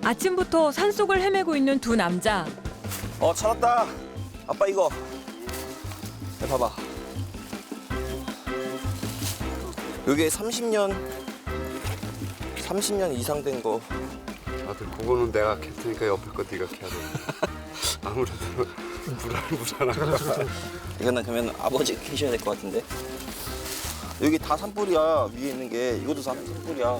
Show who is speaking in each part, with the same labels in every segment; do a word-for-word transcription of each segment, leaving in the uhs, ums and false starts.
Speaker 1: 아침부터 산속을 헤매고 있는 두 남자.
Speaker 2: 어, 찾았다. 아빠 이거. 야, 봐봐. 여기 삼십 년, 삼십 년 이상 된 거.
Speaker 3: 아들 그거는 내가 캘 테니까 옆에 거 네가 캐야 돼. 아무래도 불안불안하다.
Speaker 2: 이거는 그러면 아버지 캐셔야 될 것 같은데. 여기 다 산불이야. 위에 있는 게. 이것도 다 산불이야.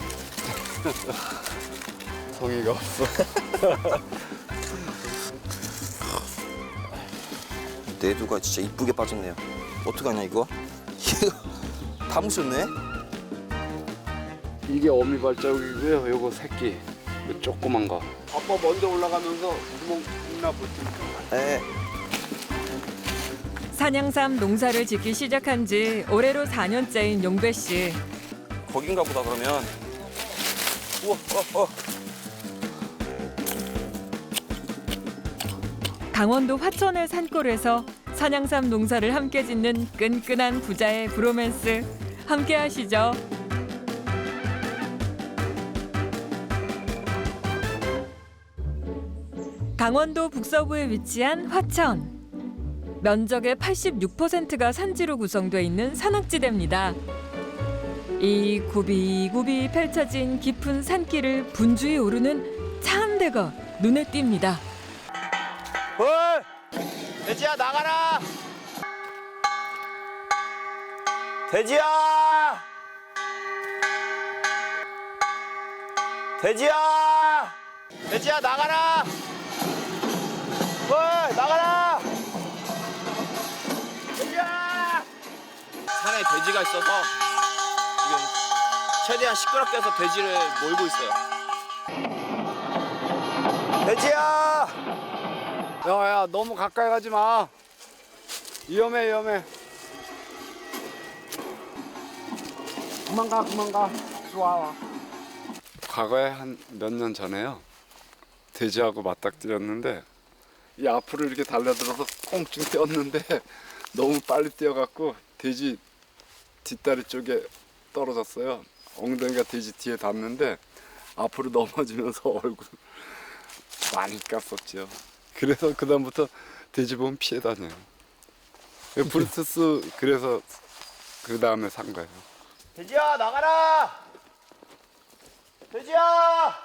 Speaker 3: 성의가 없어.
Speaker 2: 내두가 진짜 이쁘게 빠졌네요. 어떡하냐 이거? 이거 다 묻혔네?
Speaker 3: 이게 어미 발자국이고요. 요거 새끼. 요 조그만 거. 아빠 먼저 올라가면서 구멍 있나 보지.
Speaker 2: 네.
Speaker 1: 산양삼 농사를 짓기 시작한 지 올해로 사 년째인 용배 씨.
Speaker 2: 거긴가 보다 그러면. 우와, 어, 어.
Speaker 1: 강원도 화천의 산골에서 산양삼 농사를 함께 짓는 끈끈한 부자의 브로맨스. 함께 하시죠. 강원도 북서부에 위치한 화천. 면적의 팔십육 퍼센트가 산지로 구성돼 있는 산악지대입니다. 이 굽이굽이 펼쳐진 깊은 산길을 분주히 오르는 차 한 대가 눈에 띕니다.
Speaker 2: 헐! 돼지야 나가라! 돼지야! 돼지야! 돼지야 나가라! 헐! 나가라! 돼지야! 산에 돼지가 있어서 지금 최대한 시끄럽게 해서 돼지를 몰고 있어요. 돼지야!
Speaker 3: 야야 너무 가까이 가지 마. 위험해 위험해. 그만 가 그만 가. 좋아. 과거에 한 몇 년 전에요. 돼지하고 맞닥뜨렸는데 이 앞으로 이렇게 달려들어서 꽁충 뛰었는데 너무 빨리 뛰어갖고 돼지 뒷다리 쪽에 떨어졌어요. 엉덩이가 돼지 뒤에 닿는데 앞으로 넘어지면서 얼굴 많이 깠었죠. 그래서 그다음부터 돼지 보면 피해 다녀요. 브루투스 그래서 그 다음에 산 거예요.
Speaker 2: 돼지야 나가라! 돼지야!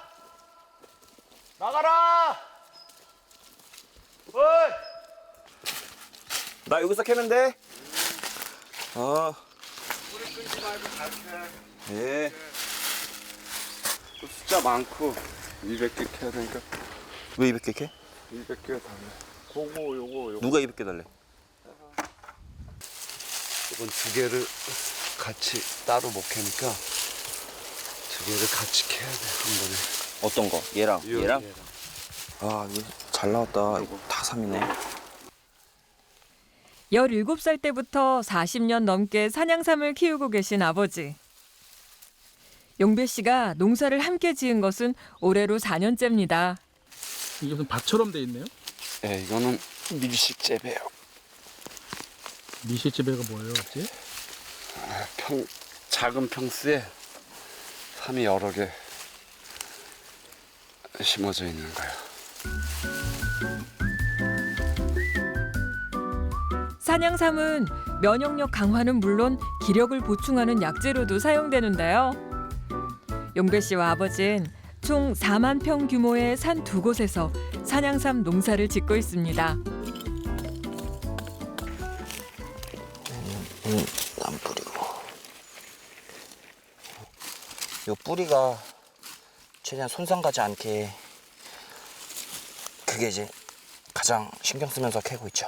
Speaker 2: 나가라! 어이! 나 여기서 캐면 돼? 어.
Speaker 3: 불을 끄지 말고 잘 캐.
Speaker 2: 예.
Speaker 3: 숫자 많고 이백 개 캐야 되니까
Speaker 2: 왜 이백 개 캐?
Speaker 3: 이백 개 달래. 그거 요거 요거.
Speaker 2: 누가 이백 개 달래?
Speaker 3: 이건 두 개를 같이 따로 못 캐니까 두 개를 같이 캐야 돼 한 번에.
Speaker 2: 어떤 거? 얘랑
Speaker 3: 요-
Speaker 2: 얘랑? 아 이거 잘 나왔다. 이거 다 삼이네.
Speaker 1: 열일곱 살 때부터 사십 년 넘게 산양삼을 키우고 계신 아버지. 용배 씨가 농사를 함께 지은 것은 올해로 사 년째입니다.
Speaker 4: 이게 무슨 밭처럼 돼 있네요?
Speaker 3: 네, 이거는 밀식재배요.
Speaker 4: 미실재배가 뭐예요, 어째?
Speaker 3: 평 작은 평수에 삼이 여러 개 심어져 있는 거예요.
Speaker 1: 산양삼은 면역력 강화는 물론 기력을 보충하는 약재로도 사용되는데요. 용배 씨와 아버지는 총 사만 평 규모의 산 두 곳에서 산양삼 농사를 짓고 있습니다.
Speaker 2: 음, 난 뿌리고. 요 뿌리가 최대한 손상 가지 않게 그게 이제 가장 신경 쓰면서 캐고 있죠.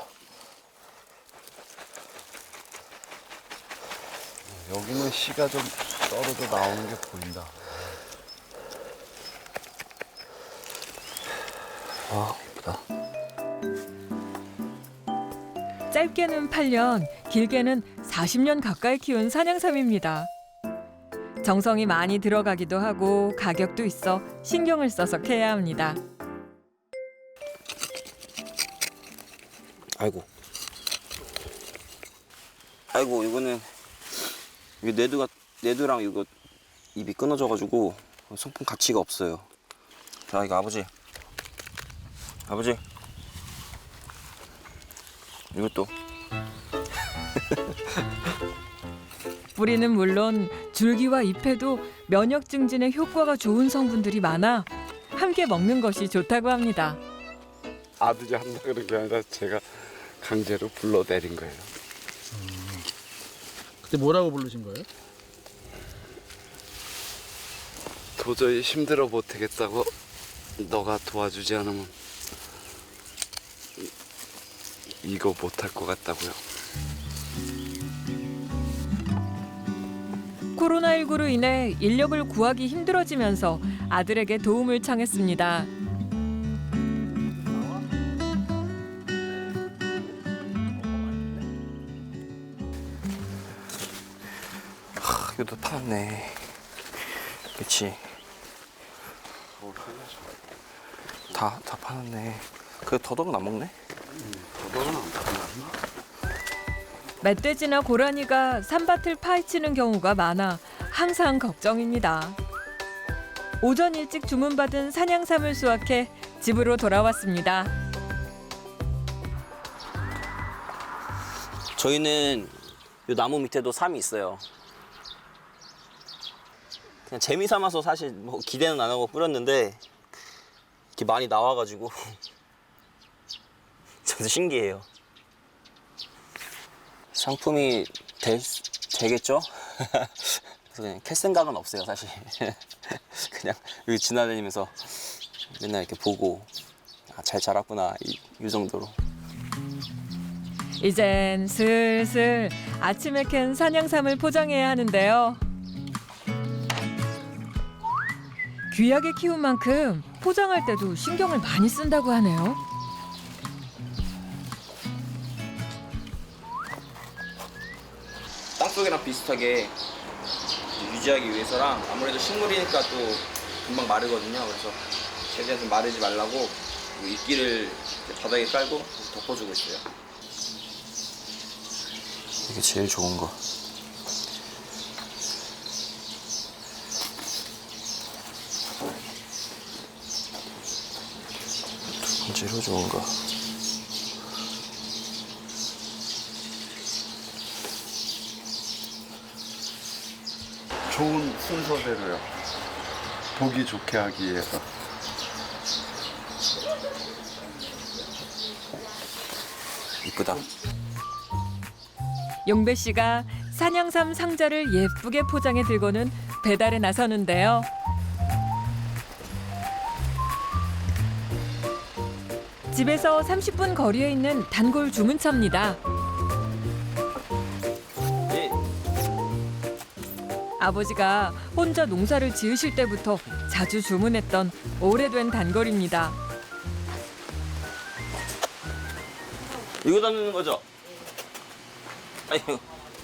Speaker 3: 여기는 씨가 좀 떨어져 나오는 게 보인다.
Speaker 2: 아, 예쁘다.
Speaker 1: 짧게는 팔 년, 길게는 사십 년 가까이 키운 산양삼입니다. 정성이 많이 들어가기도 하고 가격도 있어 신경을 써서 캐야 합니다.
Speaker 2: 아이고. 아이고, 이거는 이게 내두가 내두랑 이거 입이 끊어져가지고 성품 가치가 없어요. 자, 이거 아버지. 아버지. 이것도.
Speaker 1: 뿌리는 물론 줄기와 잎에도 면역 증진에 효과가 좋은 성분들이 많아 함께 먹는 것이 좋다고 합니다.
Speaker 3: 아들이 한다 그런 게 아니라 제가 강제로 불러내린 거예요.
Speaker 4: 그때 뭐라고 부르신 거예요?
Speaker 3: 도저히 힘들어 못하겠다고 너가 도와주지 않으면 이, 이거 못할 것 같다고요.
Speaker 1: 코로나십구로 인해 인력을 구하기 힘들어지면서 아들에게 도움을 청했습니다.
Speaker 2: 하, 이것도 파놨네. 그치. 다, 다 파놨네. 그 더덕은 안 먹네?
Speaker 3: 너는 안 파나?
Speaker 1: 멧돼지나 고라니가 산밭을 파헤치는 경우가 많아 항상 걱정입니다. 오전 일찍 주문받은 산양삼을 수확해 집으로 돌아왔습니다.
Speaker 2: 저희는 요 나무 밑에도 삼이 있어요. 그냥 재미 삼아서 사실 뭐 기대는 안 하고 뿌렸는데 이렇게 많이 나와가지고 저도 신기해요. 상품이 될, 수- 되겠죠? 그래서 그냥 캘 생각은 없어요, 사실. 그냥 여기 지나다니면서 맨날 이렇게 보고 아, 잘 자랐구나 이, 이 정도로.
Speaker 1: 이젠 슬슬 아침에 캔 산양삼을 포장해야 하는데요. 귀하게 키운 만큼 포장할 때도 신경을 많이 쓴다고 하네요.
Speaker 2: 땅속이랑 비슷하게 유지하기 위해서랑 아무래도 식물이니까 또 금방 마르거든요. 그래서 최대한 좀 마르지 말라고 이끼를 바닥에 깔고 덮어주고 있어요. 이게 제일 좋은 거. 두 번째로 좋은 거.
Speaker 3: 좋은 순서대로요. 보기 좋게 하기 위해서.
Speaker 2: 이쁘다.
Speaker 1: 용배 씨가 산양삼 상자를 예쁘게 포장해 들고는 배달에 나서는데요. 집에서 삼십 분 거리에 있는 단골 주문차입니다.
Speaker 2: 예.
Speaker 1: 아버지가 혼자 농사를 지으실 때부터 자주 주문했던 오래된 단골입니다.
Speaker 2: 이거 담는 거죠? 아이고.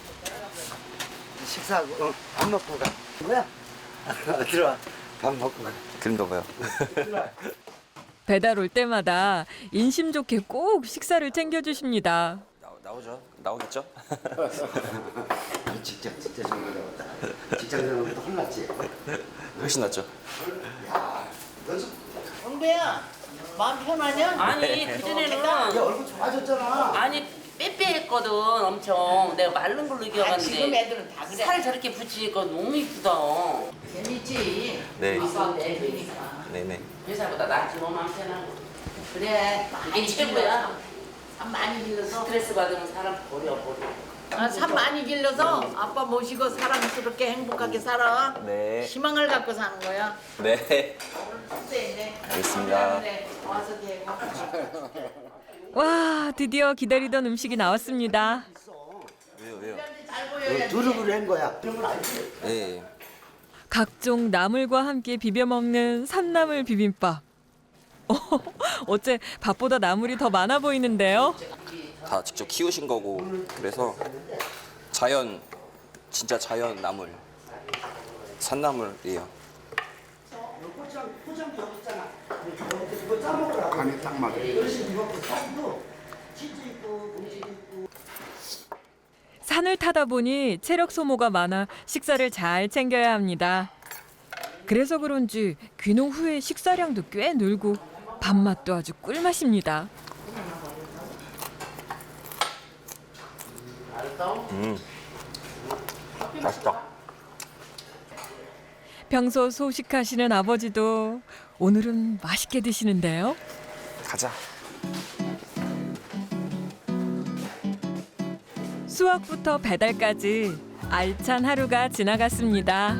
Speaker 5: 식사하고 어, 밥 먹고 가. 뭐야? 들어와. 밥 먹고 가.
Speaker 2: 그런가 봐요.
Speaker 1: 배달 올 때마다 인심 좋게 꼭 식사를 챙겨주십니다.
Speaker 2: 나, 나오죠? 나오겠죠?
Speaker 5: 직장 진짜 좀 어려웠다. 직장 생활부터 혼났지.
Speaker 2: 훨씬 낫죠?
Speaker 6: 영배야, 마음 편하냐?
Speaker 7: 아니 그전에는
Speaker 5: 야 얼굴 좋아졌잖아.
Speaker 7: 아니 빼빼했거든 엄청. 내가 마른 걸로
Speaker 6: 아, 지금
Speaker 7: 기억하는데
Speaker 6: 애들은 다 그래.
Speaker 7: 살 저렇게 붙이니까 너무 이쁘다.
Speaker 6: 재밌지?
Speaker 2: 네.
Speaker 6: 아빠 애들이니까.
Speaker 2: 네네.
Speaker 7: 회사보다 낫지 뭐 마음 편하고.
Speaker 6: 그래,
Speaker 7: 이게
Speaker 6: 많이
Speaker 7: 최고야.
Speaker 6: 길러서. 산 많이 길러서.
Speaker 7: 스트레스 받으면 사람 버려 버려.
Speaker 6: 아, 산 많이 길러서 아빠 모시고 사랑스럽게 행복하게 살아.
Speaker 2: 네.
Speaker 6: 희망을 갖고 사는 거야.
Speaker 2: 네.
Speaker 6: 네.
Speaker 2: 알겠습니다.
Speaker 6: 와서 대고.
Speaker 1: 와, 드디어 기다리던 음식이 나왔습니다.
Speaker 2: 왜요, 왜요?
Speaker 6: 잘 보여야지.
Speaker 5: 두릅을 한 거야. 두릅을 알지?
Speaker 2: 네.
Speaker 1: 각종 나물과 함께 비벼 먹는 산나물 비빔밥. 어, 어째 밥보다 나물이 더 많아 보이는데요?
Speaker 2: 다 직접 키우신 거고 그래서 자연 진짜 자연 나물 산나물이에요.
Speaker 3: 간이 딱 맞아요.
Speaker 1: 산을 타다 보니 체력 소모가 많아 식사를 잘 챙겨야 합니다. 그래서 그런지 귀농 후에 식사량도 꽤 늘고 밥맛도 아주 꿀맛입니다.
Speaker 2: 음, 맛있다.
Speaker 1: 평소 소식하시는 아버지도 오늘은 맛있게 드시는데요.
Speaker 2: 가자.
Speaker 1: 수확부터 배달까지 알찬 하루가 지나갔습니다.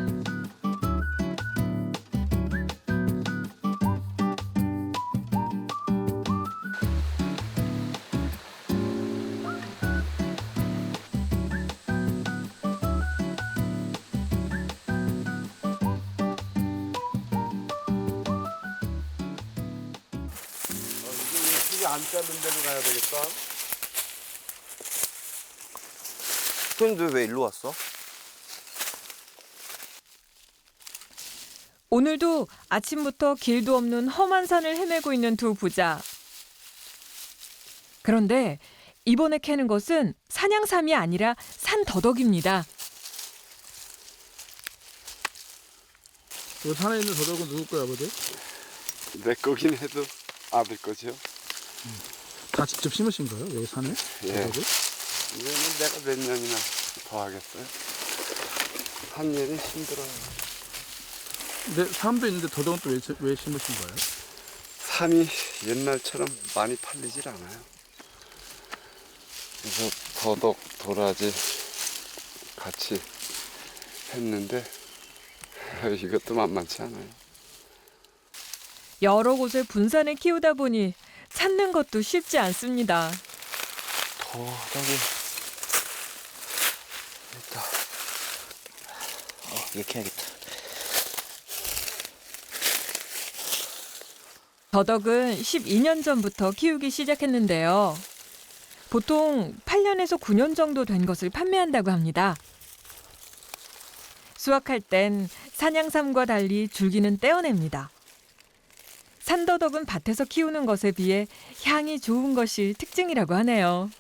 Speaker 3: 이게 안 자른 데로 가야 되겠다.
Speaker 2: 손님들 왜 일로 왔어?
Speaker 1: 오늘도 아침부터 길도 없는 험한 산을 헤매고 있는 두 부자. 그런데 이번에 캐는 것은 산양삼이 아니라 산더덕입니다.
Speaker 4: 그 산에 있는 더덕은 누구 거야, 아버지?
Speaker 3: 내 거긴 해도 아들 거죠.
Speaker 4: 다 직접 심으신 거예요, 여기 산에?
Speaker 3: 예.
Speaker 4: 더덕을?
Speaker 3: 이거는 내가 몇 년이나 더 하겠어요. 한 일이 힘들어요.
Speaker 4: 근데 사람도 있는데 더덕은 또 왜 왜 심으신 거예요?
Speaker 3: 삼이 옛날처럼 많이 팔리질 않아요. 그래서 더덕, 도라지 같이 했는데 이것도 만만치 않아요.
Speaker 1: 여러 곳을 분산해 키우다 보니 찾는 것도 쉽지 않습니다.
Speaker 2: 더덕이 일단 어, 이렇게 해야겠다.
Speaker 1: 더덕은 십이 년 전부터 키우기 시작했는데요. 보통 팔 년에서 구 년 정도 된 것을 판매한다고 합니다. 수확할 땐 산양삼과 달리 줄기는 떼어냅니다. 산더덕은 밭에서 키우는 것에 비해 향이 좋은 것이 특징이라고 하네요.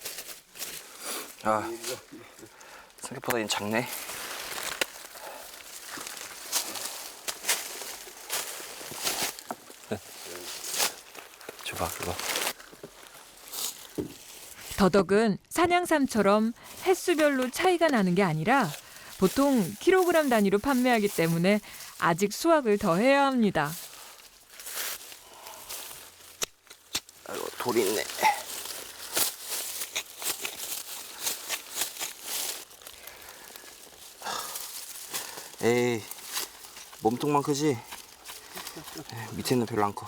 Speaker 2: 아, 생각보다 이 작네. 줘봐, 그거.
Speaker 1: 더덕은 산양삼처럼 횟수별로 차이가 나는 게 아니라 보통 킬로그램 단위로 판매하기 때문에 아직 수확을 더 해야 합니다.
Speaker 2: 아이고, 돌이 있네. 에이, 몸통만 크지? 에이, 밑에는 별로 안 커.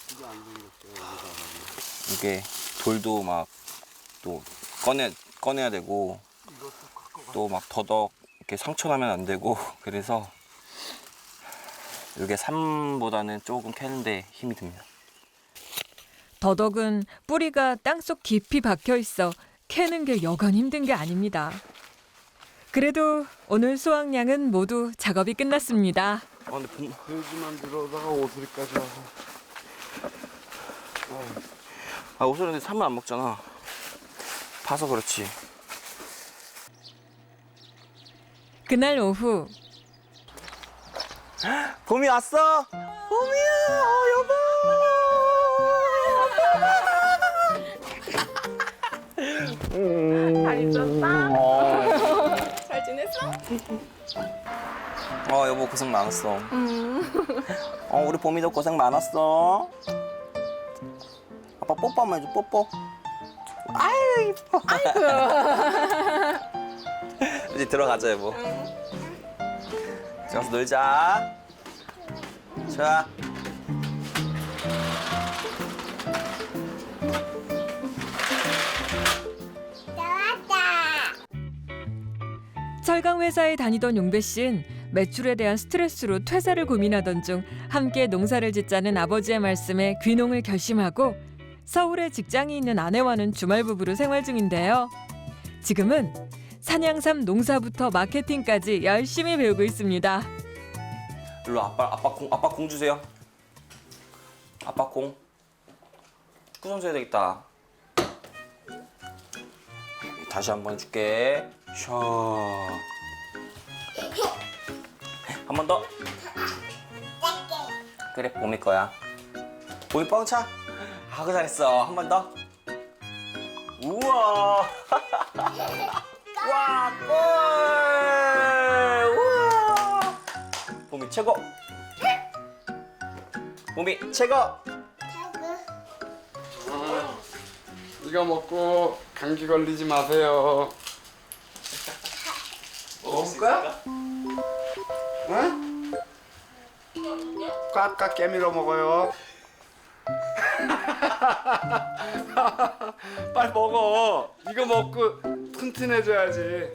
Speaker 2: 이게 돌도 막 또 꺼내 꺼내야 되고 또 막 더덕 이렇게 상처 나면 안 되고 그래서 이게 삼보다는 조금 캐는데 힘이 듭니다.
Speaker 1: 더덕은 뿌리가 땅속 깊이 박혀 있어 캐는 게 여간 힘든 게 아닙니다. 그래도 오늘 수확량은 모두 작업이 끝났습니다.
Speaker 2: 아 근데 봄...
Speaker 3: 돼지만 들어오다가 오소리까지 와서.
Speaker 2: 아 옷을 근데 삼을 안 먹잖아. 파서 그렇지.
Speaker 1: 그날 오후
Speaker 2: 봄이 왔어. 봄이야, 어, 여보.
Speaker 8: 잘 있었어? 잘 지냈어?
Speaker 2: 어 여보 고생 많았어. 어 우리 봄이도 고생 많았어. 아빠 뽀뽀 한번 해줘. 뽀뽀. 아유 이뻐. 아이고. 이제 들어가자 여보. 들어가서 놀자. 좋아.
Speaker 1: 철강 회사에 다니던 용배 씨는 매출에 대한 스트레스로 퇴사를 고민하던 중 함께 농사를 짓자는 아버지의 말씀에 귀농을 결심하고 서울에 직장이 있는 아내와는 주말 부부로 생활 중인데요. 지금은 산양삼 농사부터 마케팅까지 열심히 배우고 있습니다.
Speaker 2: 일로 아빠 아빠 공 아빠 공 주세요. 아빠 공. 축구 선수 해야 되겠다. 다시 한 번 해줄게. 샤. 한 번 더. 그래, 봄이 거야. 봄이 뻥차? 아, 그 잘했어. 한 번 더. 우와. 와, 골! 우와. 봄이 최고. 봄이 최고.
Speaker 3: 이거 먹고 감기 걸리지 마세요. 먹을 거야? 응? 꽉꽉 깨밀어 먹어요. 빨리 먹어. 이거 먹고 튼튼해져야지.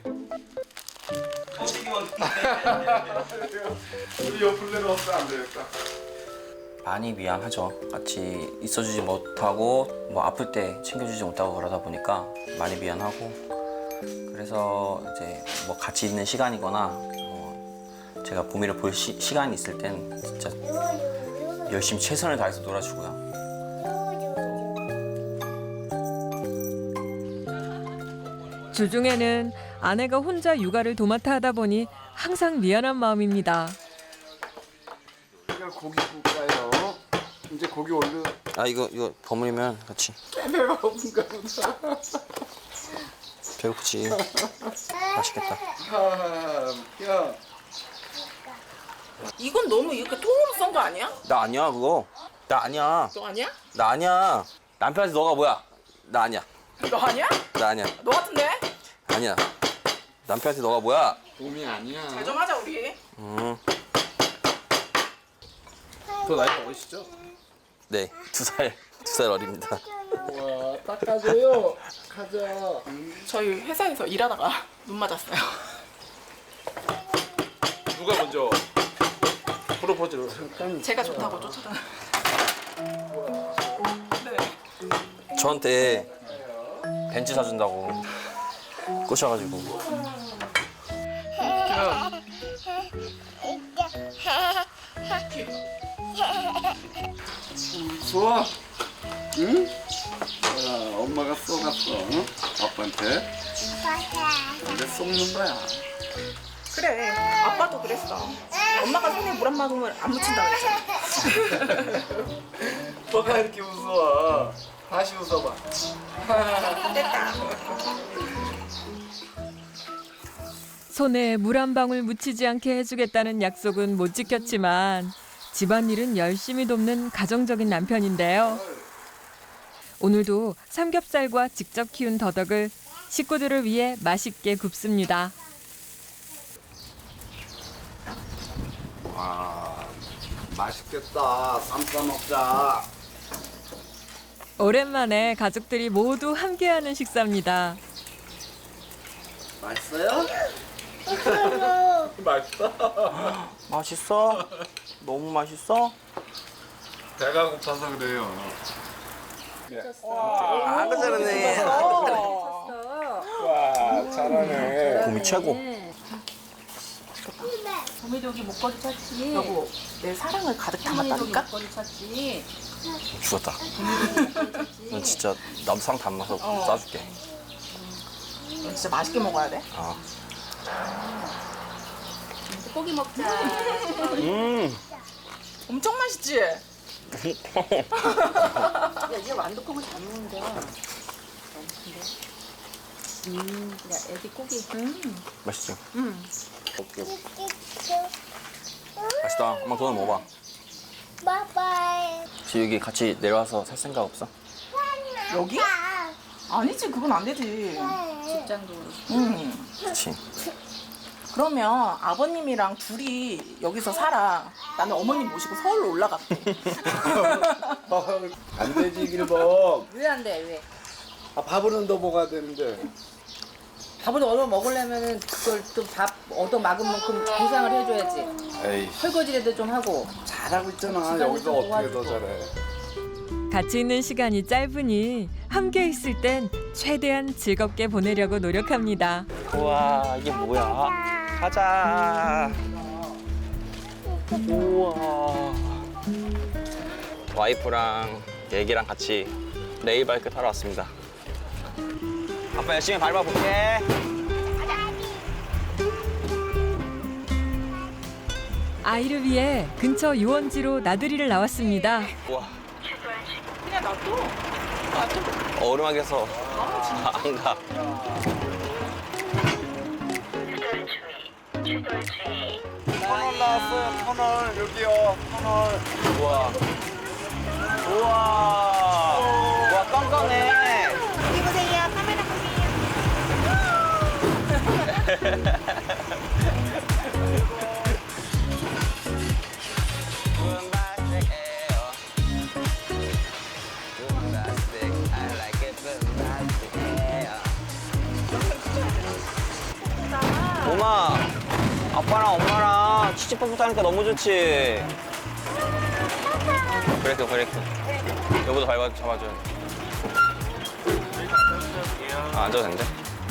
Speaker 3: 우리 옆플레로 없으면 안 되겠다.
Speaker 2: 많이 미안하죠. 같이 있어주지 못하고 뭐 아플 때 챙겨주지 못하고 그러다 보니까 많이 미안하고, 그래서 이제 뭐 같이 있는 시간이거나 뭐 제가 봄이를 볼 시, 시간이 있을 땐 진짜 열심히 최선을 다해서 놀아주고요.
Speaker 1: 주중에는 아내가 혼자 육아를 도맡아 하다 보니 항상 미안한 마음입니다.
Speaker 3: 이거 고기 굽까요? 이제 고기 올려.
Speaker 2: 아, 이거 이거 버무리면 같이.
Speaker 3: 배가 고픈가 보다.
Speaker 2: 배고프지. 맛있겠다.
Speaker 3: 아, 야.
Speaker 8: 이건 너무 이렇게 통으로 썬 거 아니야?
Speaker 2: 나 아니야 그거. 나 아니야.
Speaker 8: 너 아니야?
Speaker 2: 나 아니야. 남편한테 너가 뭐야? 나 아니야.
Speaker 8: 너 아니야?
Speaker 2: 나 아니야.
Speaker 8: 너 같은데?
Speaker 2: 아니야. 남편한테 너가 뭐야?
Speaker 3: 봄이 아니야.
Speaker 8: 잘 좀 하자 우리.
Speaker 2: 음.
Speaker 4: 더 나이가 어리시죠?
Speaker 2: 네, 두 살, 두 살 어립니다.
Speaker 3: 와, 닦아줘요. 가자.
Speaker 8: 저희 회사에서 일하다가 눈 맞았어요.
Speaker 4: 누가 먼저 프로포즈를?
Speaker 8: 제가 좋다고 쫓아다. 네.
Speaker 2: 저한테 벤츠 사준다고 꼬셔가지고.
Speaker 3: 좋아. 응? 야, 엄마가 쏘갔어. 응? 아빠한테. 근데 쏘는 거야.
Speaker 8: 그래. 아빠도 그랬어. 엄마가 손에 물 한 방울 안 묻힌다 그랬잖아.
Speaker 3: 뭐가 이렇게 웃어? 다시 웃어봐.
Speaker 8: 됐다.
Speaker 1: 손에 물 한 방울 묻히지 않게 해주겠다는 약속은 못 지켰지만 집안일은 열심히 돕는 가정적인 남편인데요. 오늘도 삼겹살과 직접 키운 더덕을 식구들을 위해 맛있게 굽습니다.
Speaker 3: 와, 맛있겠다. 쌈 싸 먹자.
Speaker 1: 오랜만에 가족들이 모두 함께하는 식사입니다.
Speaker 3: 맛있어요? 맛있어.
Speaker 2: 맛있어? 너무 맛있어?
Speaker 3: 배가 고파서 그래요.
Speaker 2: 아, 그 잘하네.
Speaker 3: 와, 잘하네.
Speaker 2: 봄이 최고.
Speaker 7: 봄이도 여기 목걸이 찾지.
Speaker 8: 여보, 내 사랑을 가득 담았다니까?
Speaker 7: 목걸이 찾지.
Speaker 2: 죽었다. 넌 진짜 나도 상 담아서 싸줄게.
Speaker 8: 너 진짜 맛있게 먹어야 돼.
Speaker 2: 아.
Speaker 7: 고기 먹자.
Speaker 2: 음.
Speaker 8: 엄청 맛있지?
Speaker 7: 야, 이제 완두콩을 잘 먹는데. 음, 야, 애기 고기. 음.
Speaker 2: 맛있지?
Speaker 8: 응.
Speaker 2: 오케이. 맛있다. 엄마 그거 먹어봐.
Speaker 9: 바이바이.
Speaker 2: 지금 여기 같이 내려와서 살 생각 없어?
Speaker 8: 여기? 아니지, 그건 안 되지.
Speaker 7: 직장도.
Speaker 8: 응.
Speaker 2: 그렇지.
Speaker 8: 그러면 아버님이랑 둘이 여기서 살아. 나는 어머님 모시고 서울로 올라갈게.
Speaker 3: 안 되지, 길범.
Speaker 7: 왜 안 돼, 왜?
Speaker 3: 아, 밥은 더 먹어야 되는데.
Speaker 7: 밥을 얻어 먹으려면은 그걸 또 밥 얻어 막은 만큼 보상을 해줘야지.
Speaker 3: 에이,
Speaker 7: 설거지라도 좀 하고.
Speaker 3: 잘하고 있잖아.
Speaker 7: 집안일
Speaker 3: 여기서
Speaker 7: 좀
Speaker 3: 어떻게 더
Speaker 7: 도와주고.
Speaker 3: 잘해.
Speaker 1: 같이 있는 시간이 짧으니 함께 있을 땐 최대한 즐겁게 보내려고 노력합니다.
Speaker 2: 우와, 이게 뭐야? 가자. 우와. 와이프랑 애기랑 같이 레일바이크 타러 왔습니다. 아빠 열심히 밟아볼게.
Speaker 1: 아이를 위해 근처 유원지로 나들이를 나왔습니다.
Speaker 2: 와,
Speaker 8: 그냥 놔둬.
Speaker 2: 얼음하게서 안 가.
Speaker 3: 터널 나왔어요. 터널 여기요. 터널.
Speaker 2: 우와. 우와. 와, 깜깜해.
Speaker 8: 여기 보세요. 카메라 보세요.
Speaker 2: 엄마, 아빠랑 엄마랑 치치뽀뽀 타니까 너무 좋지. 브레이크, 브레이크. 여보도 밟아 잡아줘야 돼. 아, 앉아도 된대.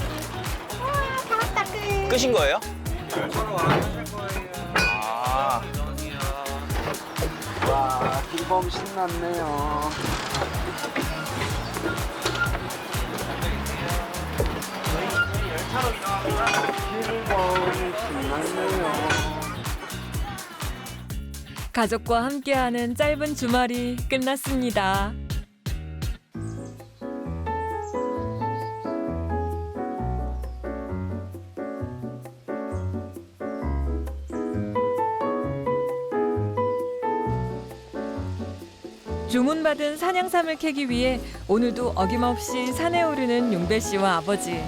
Speaker 2: 끝인 거예요? 아,
Speaker 3: 와, 길범 신났네요. 길범 신났네요.
Speaker 1: 가족과 함께하는 짧은 주말이 끝났습니다. 주문받은 산양삼을 캐기 위해 오늘도 어김없이 산에 오르는 용배 씨와 아버지.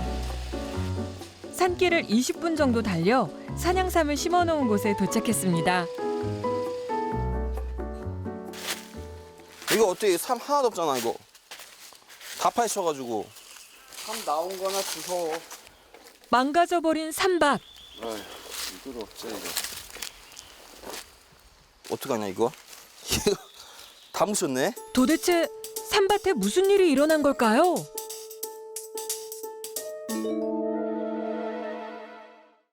Speaker 1: 산길을 이십 분 정도 달려 산양삼을 심어놓은 곳에 도착했습니다.
Speaker 2: 이거 어떻게 삼 하나도 없잖아, 이거. 다 파헤쳐가지고.
Speaker 3: 참 나온 거나 주워.
Speaker 1: 망가져버린 삼밭.
Speaker 3: 아휴, 이걸 없지 이거.
Speaker 2: 어떡하냐, 이거? 이거 다 묻혔네?
Speaker 1: 도대체 삼밭에 무슨 일이 일어난 걸까요?